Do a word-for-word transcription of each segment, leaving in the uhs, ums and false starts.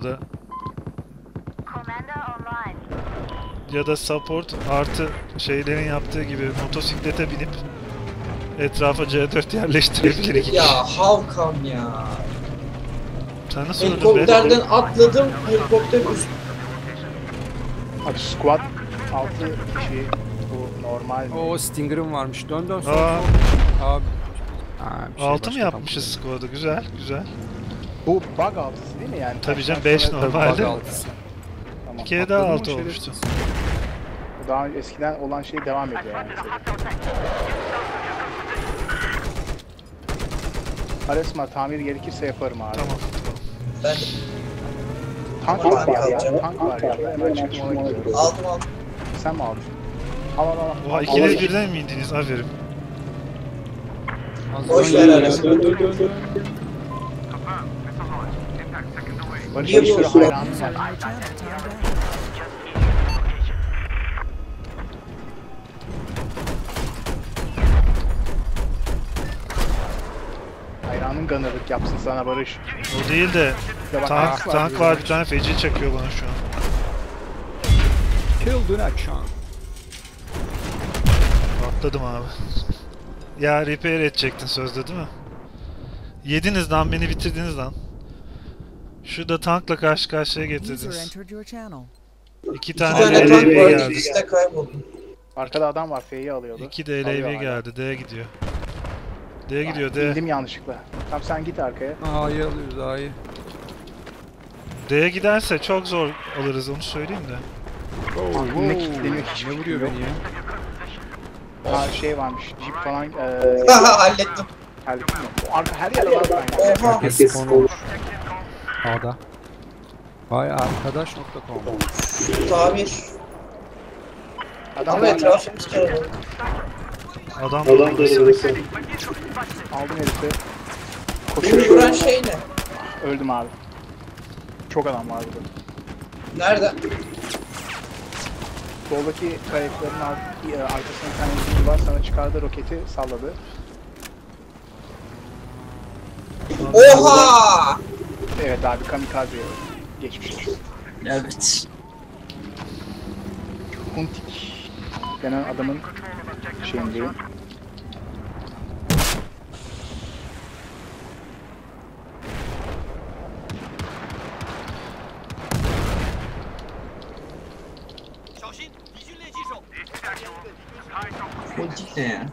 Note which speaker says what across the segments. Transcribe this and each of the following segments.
Speaker 1: da. Ya da support artı şeylerin yaptığı gibi motosiklete binip etrafa C dört yerleştirebilir iki kişi.
Speaker 2: Ya Halkan ya.
Speaker 1: Sen nasıl öldün be?
Speaker 2: Helikopterden atladım, helikopter üst.
Speaker 3: Abi squad altı kişi bu normal.
Speaker 4: O Stinger'ım varmış. Dön dön sol
Speaker 1: Aa.
Speaker 4: sol. Abi. Ha, bir şey
Speaker 1: altı mı
Speaker 4: başka
Speaker 1: yapmışız
Speaker 4: tam
Speaker 1: squad'ı? Güzel, güzel.
Speaker 3: Bu bug altısı değil mi yani?
Speaker 1: Tabii canım,
Speaker 3: Baştan
Speaker 1: beş
Speaker 3: sonra-
Speaker 4: Tabii,
Speaker 1: normalde.
Speaker 4: bug altısı.
Speaker 3: Tamam.
Speaker 1: Bir kere daha
Speaker 4: Atladın mı
Speaker 1: altı
Speaker 4: şerefsiz?
Speaker 1: olmuştu.
Speaker 3: Daha eskiden olan şey devam ediyor yani. Aresma tamir gerekirse yaparım abi.
Speaker 1: Tamam.
Speaker 2: Ben
Speaker 3: Tank
Speaker 2: Tamam,
Speaker 3: var ya,
Speaker 2: alacağım.
Speaker 3: tank var ya. Hemen çıktım ona gidiyorum.
Speaker 2: aldım aldım.
Speaker 3: Sen mi aldın? Al al al.
Speaker 1: Oha,
Speaker 3: Al,
Speaker 1: ikiniz
Speaker 3: al.
Speaker 1: birden mi indiniz? Aferin.
Speaker 2: Boş ver arası.
Speaker 4: Dön dön dön dön.
Speaker 3: Barış
Speaker 2: Niye
Speaker 3: bir sürü
Speaker 2: bu-
Speaker 3: hayranım var. Hayranın gunner'lık yapsın sana Barış.
Speaker 1: O değil de
Speaker 3: Ya bak,
Speaker 1: tank, tank var, bir tane feci çakıyor bana şu an.
Speaker 4: Kill do not chunk.
Speaker 1: Atladım abi. Ya repair edecektin sözde değil mi? Yediniz lan, beni bitirdiniz lan. Şurada tankla karşı karşıya
Speaker 5: User
Speaker 1: getirdiniz.
Speaker 5: entered your channel.
Speaker 1: İki
Speaker 2: İki
Speaker 1: tane
Speaker 2: tane tank
Speaker 1: L L V
Speaker 2: vardı,
Speaker 1: geldi.
Speaker 2: ikisi de kayboldu.
Speaker 3: Arkada adam var, F'yi alıyordu.
Speaker 1: İki de L
Speaker 3: Alıyor
Speaker 1: L V
Speaker 3: hala.
Speaker 1: geldi. D'ye gidiyor. D'ye gidiyor D.
Speaker 3: İndim yanlışlıkla. Tamam sen git arkaya.
Speaker 4: A'yı alıyoruz A'yı.
Speaker 1: D'ye giderse çok zor alırız, onu söyleyeyim de.
Speaker 3: Ne kilitleniyor hiç
Speaker 4: Ne vuruyor beni ya?
Speaker 3: Ha şey varmış, jeep falan eee
Speaker 2: Haha hallettim.
Speaker 3: hallettim mi? O arka her yer var ben.
Speaker 2: Oha.
Speaker 4: Herkes spawn olmuş. A'da. Vay arkadaş nokta com.
Speaker 2: Tamir.
Speaker 3: Adam
Speaker 2: Ama
Speaker 3: var.
Speaker 2: etrafımız kalabalık.
Speaker 1: Adam da orası.
Speaker 3: Aldım herifi.
Speaker 2: Beni
Speaker 3: Koşuyor.
Speaker 2: vuran şey ne?
Speaker 3: Öldüm abi. Çok adam var burada.
Speaker 2: Nerede?
Speaker 3: Soldaki kayıkların alt, e, arkasında bir tane zincir var. Sana çıkardı roketi salladı.
Speaker 2: Oha!
Speaker 3: Evet abi kamikaze geçmiş.
Speaker 2: Evet.
Speaker 3: Huntik denen adamın şeyindeyim.
Speaker 2: Politik ne ya?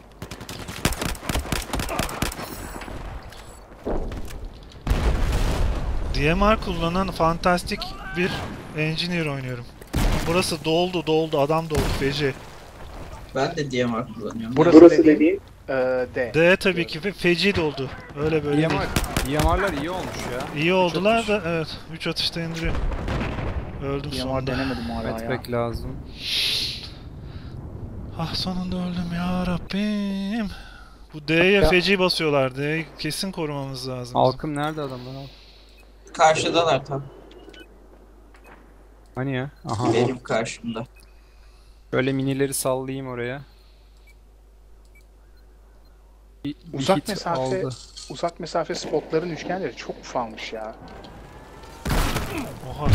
Speaker 1: D M R kullanan fantastik bir engineer oynuyorum. Burası doldu doldu, adam doldu feci.
Speaker 2: Ben de D M R kullanıyorum.
Speaker 3: Burası, Burası dediğin e, D.
Speaker 1: D tabii ki fe- feci doldu. Öyle böyle değil.
Speaker 4: D M R. D M R'lar iyi olmuş ya.
Speaker 1: İyi oldular
Speaker 4: atış.
Speaker 1: da evet. üç atışta indiriyor. Öldüm
Speaker 3: Yamar
Speaker 1: sonunda.
Speaker 3: denemedim hala ya.
Speaker 4: Metpack lazım.
Speaker 1: Ah sonunda öldüm ya Rabbim. Bu D'ye
Speaker 3: Ya-
Speaker 1: feci basıyorlar. D'yi kesin korumamız lazım.
Speaker 4: Halkım nerede adamlar abi?
Speaker 2: Karşıdalar tam.
Speaker 4: Hani ya? Aha.
Speaker 2: Benim karşımda.
Speaker 4: Böyle minileri sallayayım oraya. Bir, bir
Speaker 3: Uzak
Speaker 4: hit
Speaker 3: mesafe
Speaker 4: aldı.
Speaker 3: uzak mesafe spotların üçgenleri çok ufalmış ya.
Speaker 1: Oha.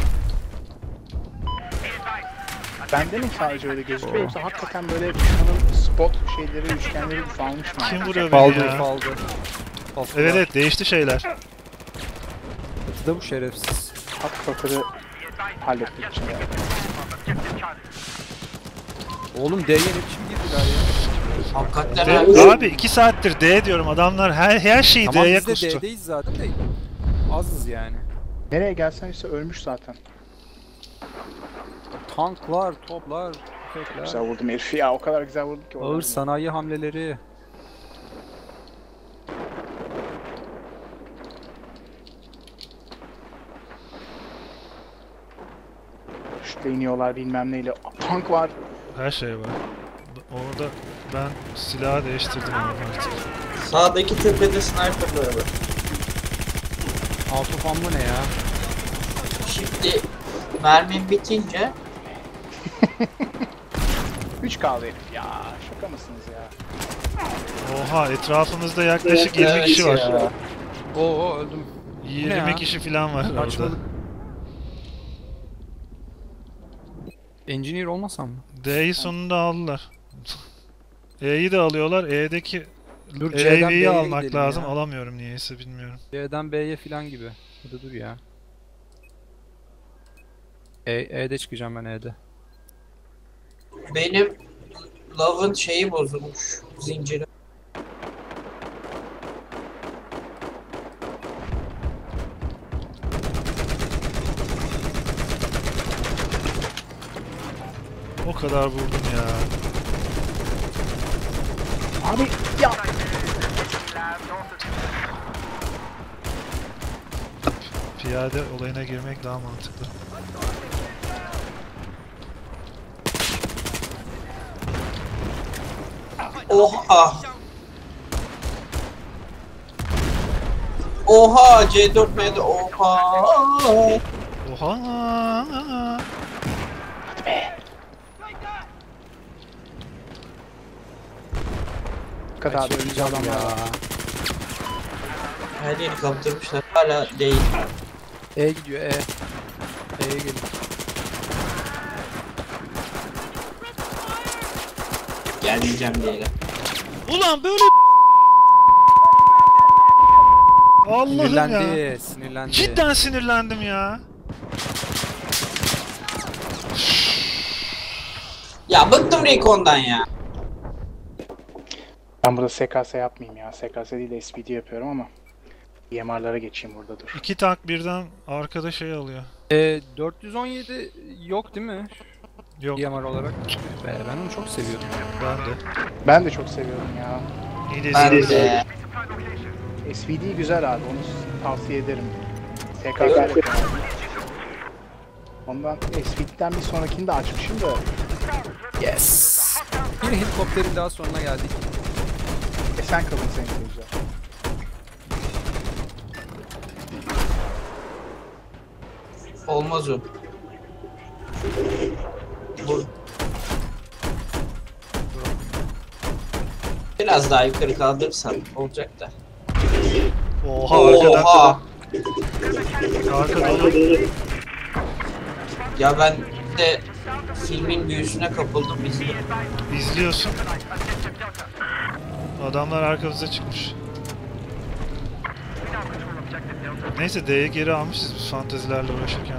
Speaker 3: Bende mi sadece öyle gözüküyor yoksa hakikaten böyle düşmanın spot şeyleri üçgenleri ufalmış mı?
Speaker 1: Kim vuruyor beni
Speaker 4: Faldı
Speaker 1: ya?
Speaker 4: faldı.
Speaker 1: Evet evet, değişti şeyler.
Speaker 4: Da bu şerefsiz.
Speaker 3: Hat fatırı hallettik içinde.
Speaker 4: Oğlum D'ye ne biçim girdiler ya?
Speaker 2: Hakikaten
Speaker 1: D-
Speaker 2: abi.
Speaker 1: abi iki saattir D diyorum, adamlar her her şeyi
Speaker 4: Tamam
Speaker 1: D'ye
Speaker 4: biz de
Speaker 1: kustu.
Speaker 4: D'deyiz zaten de azız yani.
Speaker 3: Nereye gelsen işte ölmüş zaten.
Speaker 4: Tanklar, toplar, tüfekler.
Speaker 3: Güzel vurdum herifi ya, o kadar güzel vurdum ki.
Speaker 4: Ağır
Speaker 3: oradan.
Speaker 4: sanayi hamleleri.
Speaker 3: Şurada iniyorlar bilmem neyle. Tank var.
Speaker 1: Her şey var. Orada ben silahı değiştirdim abi artık.
Speaker 2: Sağdaki tepede sniper'ları var.
Speaker 4: Autofan bu ne ya?
Speaker 2: Şimdi mermim bitince
Speaker 3: üç kaldı herif ya. Şaka mısınız ya?
Speaker 1: Oha, etrafımızda yaklaşık
Speaker 2: Evet,
Speaker 1: yirmi kişi
Speaker 2: evet
Speaker 1: var.
Speaker 2: ya.
Speaker 4: Oo öldüm.
Speaker 1: yirmi
Speaker 4: ya?
Speaker 1: kişi falan var orada.
Speaker 4: Saçmalık. Engineer olmasam mı?
Speaker 1: D'yi sonunda aldılar. E'yi de alıyorlar. E'deki
Speaker 4: Dur, C'den
Speaker 1: A V'yi
Speaker 4: B'ye
Speaker 1: almak
Speaker 4: gidelim
Speaker 1: lazım.
Speaker 4: ya.
Speaker 1: Alamıyorum niyeyse bilmiyorum.
Speaker 4: C'den B'ye falan gibi. Hadi dur ya. E, E'de çıkacağım ben E'de.
Speaker 2: Benim Love'ın şeyi bozulmuş. Zinciri.
Speaker 1: O kadar vurdum ya.
Speaker 3: Abi ya.
Speaker 1: Piyade olayına girmek daha mantıklı.
Speaker 2: Oha. Oha C dört M'de oha.
Speaker 1: Oha!
Speaker 3: Bu kadar da ölücü adamlar
Speaker 4: ya.
Speaker 3: var.
Speaker 2: Her yeri kaptırmışlar. Hala değil.
Speaker 4: E gidiyor E. E'ye gelin.
Speaker 2: Gelmeyeceğim diyelim.
Speaker 1: Ulan böyle Allah'ım ya.
Speaker 4: Sinirlendi, sinirlendi.
Speaker 1: Cidden sinirlendim ya.
Speaker 2: Ya bıktım Recon'dan ya.
Speaker 3: Ben burada S K S yapmayayım ya. S K S değil de S P D yapıyorum ama E M R'lara geçeyim burada dur.
Speaker 1: İki tank birden arkada şey alıyor.
Speaker 4: E, dört yüz on yedi yok değil mi?
Speaker 1: Yok
Speaker 4: D M R olarak. Be, ben onu çok seviyordum.
Speaker 1: ben de.
Speaker 3: Ben de çok seviyorum ya.
Speaker 1: İyi de
Speaker 2: Ben
Speaker 1: izledim.
Speaker 2: de.
Speaker 3: S P D güzel abi, onu tavsiye ederim. S K S yapıyorum. Ondan S P D'den bir sonrakini de açmışım da.
Speaker 4: Yes. Bir helikopterin daha sonuna geldik.
Speaker 3: Esen kalın sayın seyirciler.
Speaker 2: Olmaz o. Bu. Biraz daha yukarı kaldırırsan olacak da.
Speaker 1: Oha arkadan.
Speaker 2: Oha.
Speaker 1: Arka dolu.
Speaker 2: Ya ben de filmin büyüsüne kapıldım izledim.
Speaker 1: İzliyorsun. Adamlar arkamıza çıkmış. Neyse D'ye geri almışız biz fantezilerle uğraşırken.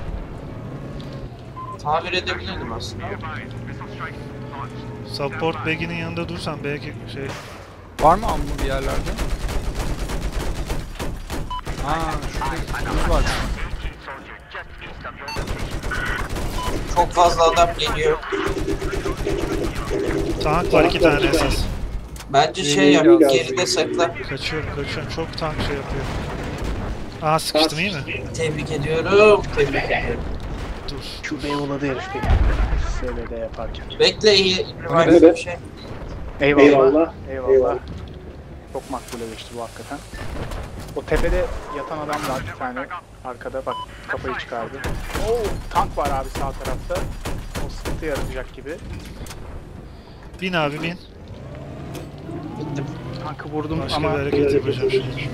Speaker 2: Tabir edebilirdim aslında.
Speaker 1: Support bag'inin yanında dursan belki şey...
Speaker 4: Var mı ammo bir yerlerde? Aa, şurada buz var.
Speaker 2: Çok fazla adam geliyor.
Speaker 1: Tank var iki tane esas.
Speaker 2: Bence şey yap, geride sakla.
Speaker 1: Kaçıyorum kaçıyorum çok tank şey yapıyor. Aa sıkıştım iyi mi?
Speaker 2: Tebrik ediyorum. Tebrik ediyorum.
Speaker 1: Dur.
Speaker 3: Şu Beyoğlu'da herif beni. S B D yaparken.
Speaker 2: Bekle iyi.
Speaker 4: Hadi
Speaker 2: Revive
Speaker 4: be.
Speaker 2: bir şey.
Speaker 3: Eyvallah. Eyvallah. Çok makbule geçti bu hakikaten. O tepede yatan adam var bir tane. Arkada bak kafayı çıkardı. Oo, tank var abi sağ tarafta. O sıkıntı yaratacak gibi.
Speaker 1: Bin abi bin.
Speaker 2: Bittim.
Speaker 3: Tankı vurdum
Speaker 1: Başka
Speaker 3: ama
Speaker 1: bir hareket yapacağım şimdi.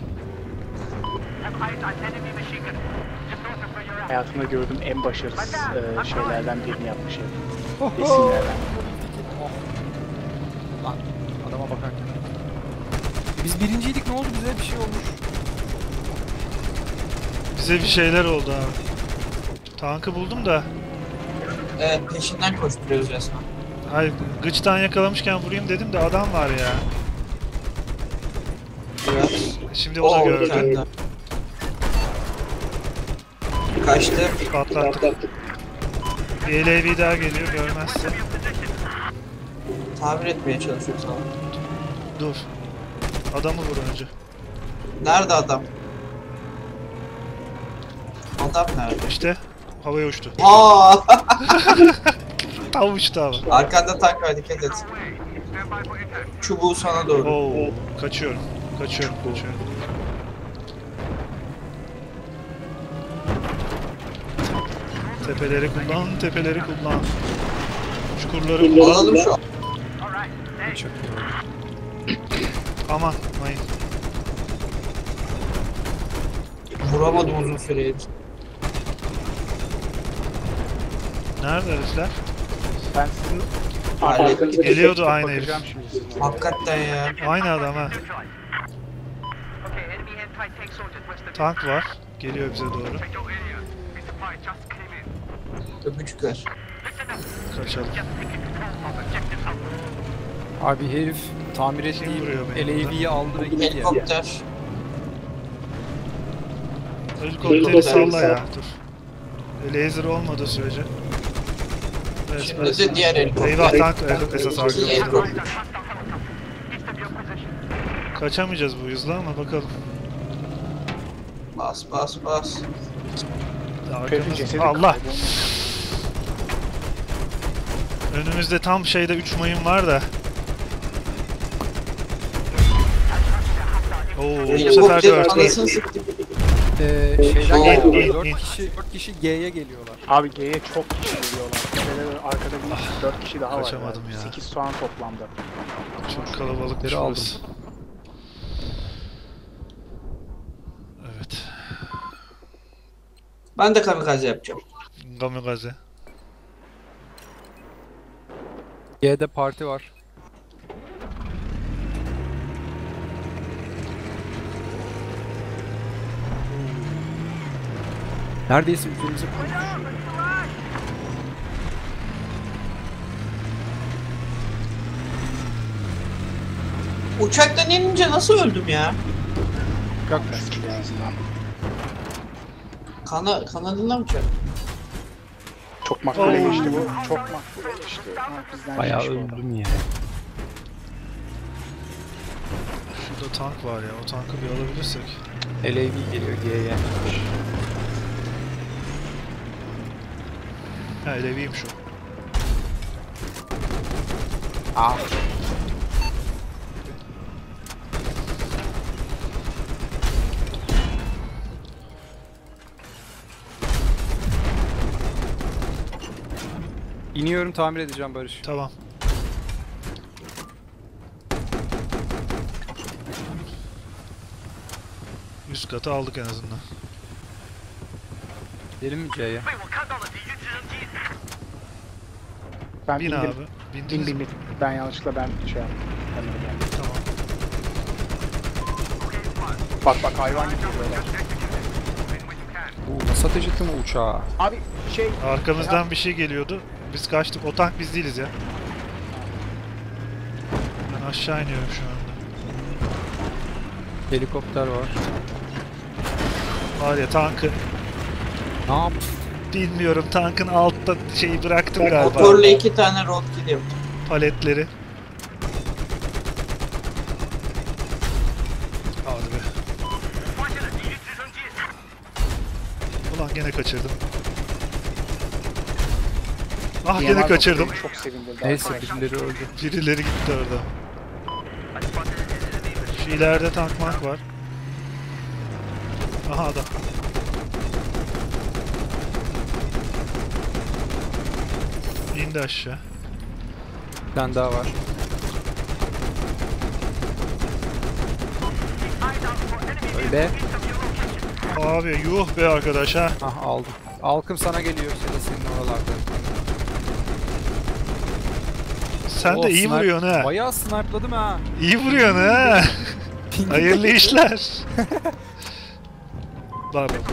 Speaker 3: hayatımda gördüğüm en başarısız e, şeylerden birini yapmış herif.
Speaker 4: Oho.
Speaker 3: Resimlerden.
Speaker 4: Lan adama bakarken. Biz birinciydik, ne oldu bize? Bir şey olmuş.
Speaker 1: Bize bir şeyler oldu abi. Tankı buldum da.
Speaker 2: Evet peşinden koşturuyoruz resmen.
Speaker 1: Hayır gıçtan yakalamışken vurayım dedim de adam var ya.
Speaker 2: Evet.
Speaker 1: Şimdi o da
Speaker 2: Oo, bir
Speaker 1: gördü.
Speaker 2: tane daha. Kaçtı.
Speaker 1: Patlattık. Bir L A V daha geliyor görmezse.
Speaker 2: Tabir etmeye çalışıyor sana.
Speaker 1: Dur. Adamı vur önce.
Speaker 2: Nerede adam? Adam nerede?
Speaker 1: İşte havaya uçtu.
Speaker 2: Aa!
Speaker 1: Tam uçtu abi.
Speaker 2: Arkanda tank var dikkat et. Çubuğu sana doğru.
Speaker 1: Oo, kaçıyorum. Kaçıyorum, kaçıyorum. Tepeleri kullan, tepeleri kullan. Çukurları kullan.
Speaker 2: Alalım şu.
Speaker 4: Çok iyi.
Speaker 1: Aman, mayın.
Speaker 2: Vuramadım uzun süredir.
Speaker 1: Nerede herifler?
Speaker 3: Ben sizin
Speaker 2: Hallettik.
Speaker 3: arkanızdaki
Speaker 1: Geliyordu
Speaker 3: sektöre
Speaker 1: aynı
Speaker 3: bakacağım şimdi sizin.
Speaker 2: Hakikaten ya.
Speaker 1: Aynı adam ha. Tank var. Geliyor bize doğru.
Speaker 2: Öpücükler.
Speaker 1: Kaçalım.
Speaker 4: Abi herif tamir
Speaker 1: vuruyor
Speaker 4: ettiğim
Speaker 1: beni
Speaker 4: L A V'yi aldı ve gitti ya.
Speaker 2: Helikopter.
Speaker 1: Helikopteri salla ya. Dur. Laser olmadığı sürece.
Speaker 2: Şimdi de diğer helikopter.
Speaker 1: Eyvah, tank esas arkamızda.
Speaker 2: Helikopter.
Speaker 1: Kaçamayacağız bu hızla ama bakalım.
Speaker 2: Bas bas bas.
Speaker 1: Arkamız...
Speaker 3: Cesedi
Speaker 1: Allah!
Speaker 3: kaybolmuş.
Speaker 1: Önümüzde tam şeyde üç mayın var da. Oo, bu sefer
Speaker 2: Helikopterin
Speaker 1: dört.
Speaker 2: anasını sıktı.
Speaker 4: Ee, şeyden
Speaker 2: Oo.
Speaker 4: geliyorlar.
Speaker 1: İn, in.
Speaker 4: dört kişi, dört kişi G'ye geliyorlar.
Speaker 3: Abi G'ye çok kişi geliyorlar. Şöyle arkada bir dört kişi daha var.
Speaker 1: Kaçamadım ya.
Speaker 3: sekiz soğan toplamda.
Speaker 1: Çok kalabalıkmış
Speaker 4: Biri aldım.
Speaker 1: burası. Evet.
Speaker 2: Ben de kamikaze yapacağım.
Speaker 1: Kamikaze.
Speaker 4: G'de parti var. Neredeyse üzerimize koymuş.
Speaker 2: Uçaktan inince nasıl öldüm ya?
Speaker 4: Bak
Speaker 3: En azından.
Speaker 2: Kana, kanadından mı çarptı?
Speaker 3: Çok makbule
Speaker 1: Oo.
Speaker 3: geçti bu. Çok makbule geçti. Ha, bizden
Speaker 4: bayağı
Speaker 3: geçmiş oldu.
Speaker 4: öldüm ya.
Speaker 1: Şurada tank var ya. O tankı bir alabilirsek.
Speaker 4: L A V geliyor G'ye.
Speaker 1: Ha, Leviymiş o.
Speaker 4: Ah. İniyorum, tamir edeceğim Barış.
Speaker 1: Tamam. Üst katı aldık en azından.
Speaker 4: Gidelim mi C'ye?
Speaker 3: Ben
Speaker 1: Bin
Speaker 3: bindim.
Speaker 1: abi.
Speaker 3: Bin
Speaker 1: Bindiniz
Speaker 3: bin
Speaker 1: mi?
Speaker 3: bin. Ben yanlışlıkla ben şey yaptım. Ben öyle geldim.
Speaker 1: Tamam.
Speaker 3: Bak bak hayvan gibi böyle.
Speaker 4: Bu nasıl ateş etti mi uçağa?
Speaker 3: Abi şey
Speaker 1: Arkamızdan bir şey geliyordu. Biz kaçtık. O tank biz değiliz ya. Ben aşağı iniyorum şu anda.
Speaker 4: Helikopter var.
Speaker 1: Var ya tankı.
Speaker 4: Ne yaptın?
Speaker 1: Bilmiyorum, tankın altta şeyi bıraktım galiba.
Speaker 2: Motorla iki tane roadkill yaptım.
Speaker 1: Paletleri. Hadi be. Ulan gene kaçırdım. Ah
Speaker 3: D M
Speaker 1: gene
Speaker 3: R
Speaker 1: kaçırdım.
Speaker 3: beni çok sevindirdi.
Speaker 4: Neyse
Speaker 3: arkadaşlar.
Speaker 4: birileri öldü.
Speaker 1: Birileri gitti orada. Şu ileride tank mank var. Aha adam. İndi aşağı.
Speaker 4: Bir tane daha var. Öyle.
Speaker 1: Abi yuh be arkadaş ha.
Speaker 4: Ah aldım. Alkım sana geliyor ya da senin oralarda.
Speaker 1: Sen de
Speaker 4: Oh,
Speaker 1: iyi
Speaker 4: snipe-
Speaker 1: vuruyorsun ha.
Speaker 4: Bayağı snipeladım ha.
Speaker 1: İyi vuruyorsun ha. Hayırlı işler. Bak bak.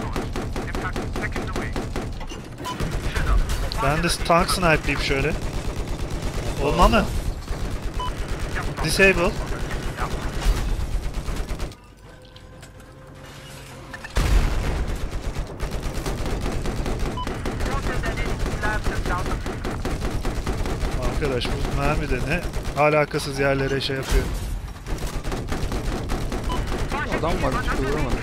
Speaker 1: Ben de tank snipe'liyim şöyle. Olma mı? Disable. Arkadaş bu mermi de ne alakasız yerlere şey yapıyor.
Speaker 4: Adam var hiç vuramadım.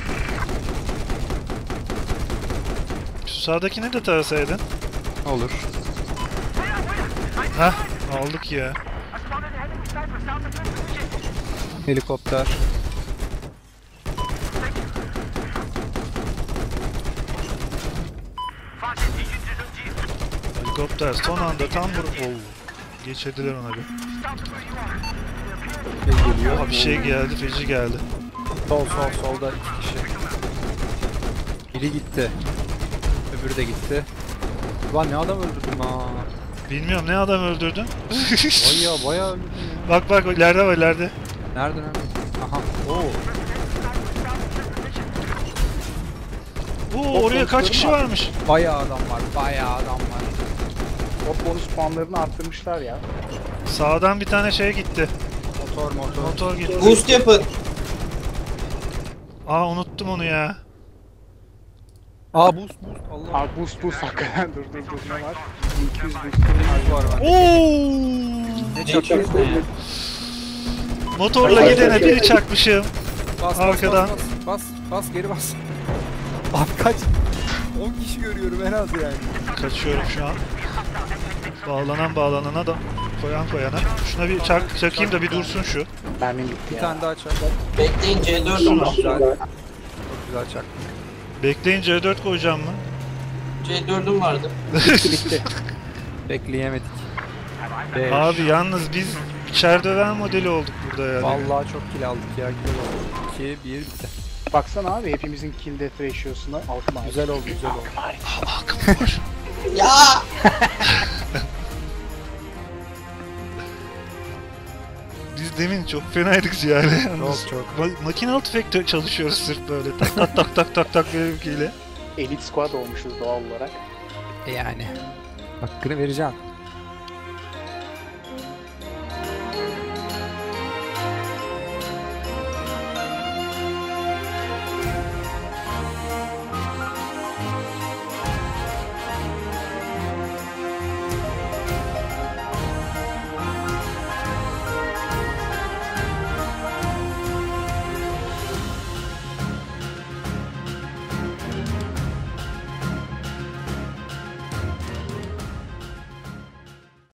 Speaker 1: Şu sağdakini de tarasaydın.
Speaker 4: Olur.
Speaker 1: Hah aldık ya.
Speaker 4: Helikopter.
Speaker 1: Helikopter son anda tam vur... Oo. Geçirdiler ona bir.
Speaker 4: Şey geliyor.
Speaker 1: Aha bir şey geldi, feci geldi.
Speaker 4: Sol sol solda iki kişi. Biri gitti. Öbürü de gitti. Ulan ne adam öldürdüm ha.
Speaker 1: Bilmiyorum ne adam öldürdün.
Speaker 4: Baya baya öldürdüm ya.
Speaker 1: Bak bak ileride var ileride.
Speaker 4: Nerede nerede? Aha. Oo.
Speaker 1: Oo oraya kaç kişi
Speaker 3: var.
Speaker 1: varmış?
Speaker 4: Baya adam var. Baya adam var.
Speaker 3: O bonus puanlarını arttırmışlar ya.
Speaker 1: Sağdan bir tane şey gitti.
Speaker 4: Motor motor.
Speaker 1: Motor gitti.
Speaker 2: Boost yapın.
Speaker 1: Aa unuttum onu ya.
Speaker 4: Aa boost boost. Allah.
Speaker 3: Abi boost boost hakikaten dur dur dur ne var? iki yüz boost'un
Speaker 4: var var.
Speaker 1: Oo!
Speaker 4: Ne
Speaker 2: Ne
Speaker 4: çakıyorsun?
Speaker 2: çakıyorsun ya?
Speaker 1: Motorla gidene biri çakmışım.
Speaker 4: Bas,
Speaker 1: Arkadan.
Speaker 4: Bas, bas, bas, bas, geri bas. Abi kaç? on kişi görüyorum en az yani.
Speaker 1: Kaçıyorum şu an. Bağlanan bağlanana da koyan koyana. Şuna bir çak, çakayım da bir dursun şu.
Speaker 3: mermim gitti
Speaker 4: Bir
Speaker 3: ya.
Speaker 4: tane daha çak.
Speaker 2: Bekleyin C dördüm var.
Speaker 4: Güzel. Çok güzel çak.
Speaker 1: Bekleyin C dört koyacağım mı?
Speaker 2: C dördüm vardı.
Speaker 3: Bitti bitti.
Speaker 4: Bekleyemedik. Beş.
Speaker 1: Abi yalnız biz içer döven modeli olduk burada yani.
Speaker 4: Vallahi çok kill aldık ya. Kill oldu. iki, bir bitti.
Speaker 3: Baksana abi hepimizin kill death ratio'suna altına.
Speaker 4: Güzel oldu, güzel oldu.
Speaker 1: Akım var.
Speaker 2: Ya!
Speaker 1: Biz demin çok fenaydık yani. Yalnız.
Speaker 4: Çok, çok.
Speaker 1: Ma- makinalı tüfekte çalışıyoruz sırf böyle. Tak tak tak tak tak tak benimkiyle.
Speaker 3: Elite squad olmuşuz doğal olarak.
Speaker 4: E yani. Hakkını vereceğim.